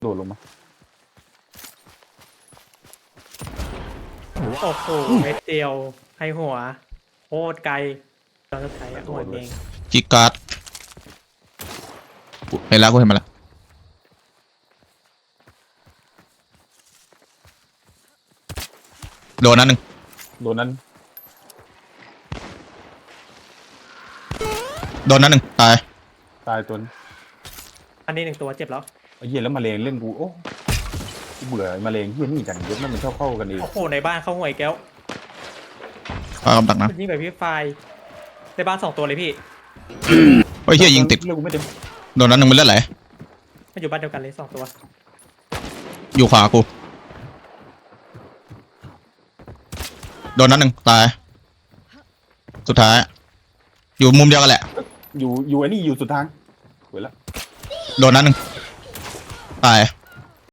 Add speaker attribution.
Speaker 1: โดดลงมา
Speaker 2: โอ้โหเม็ดเดียวให้หัวโคตรไกลตอนสุดท้ายหัวเอง
Speaker 3: จิกการ์ดเห็นแล้วกูเห็นมาแล้วโดนนั้นหนึ่ง
Speaker 1: โดนนั้น
Speaker 3: โดนนั้นหนึ่งตาย
Speaker 1: ตายตัวนึง
Speaker 2: อันนี้หนึ่งตัวเจ็บแล้ว
Speaker 1: ไอ้เหี้ยแล้วมาเลงเล่นกูโอ้กูเบื่อไอ้มาเลงเหี้ยนี่กันเยอะมันชอบเข้ากันเอง
Speaker 2: โอ้โหในบ้านเข้าห่วยแก้ว
Speaker 3: ปากกำดักนะ
Speaker 2: ยิงแบบพี่ไฟในบ้าน2ตัวเลยพี่
Speaker 3: เฮ้ยเฮียยิงติด
Speaker 1: เรื่องกูไม่เต็ม
Speaker 3: โดนนั้นหนึ่งมันเลือดไหล
Speaker 2: มันอยู่บ้านเดียวกันเลย2ตัว
Speaker 3: อยู่ขวากูโดนนั้นหนึ่งตายสุดท้ายอยู่มุมเดียวกันแหละ
Speaker 1: อยู่ไอ้นี่อยู่สุดทางเว้ยละ
Speaker 3: โดนนั้นหนึ่งตาย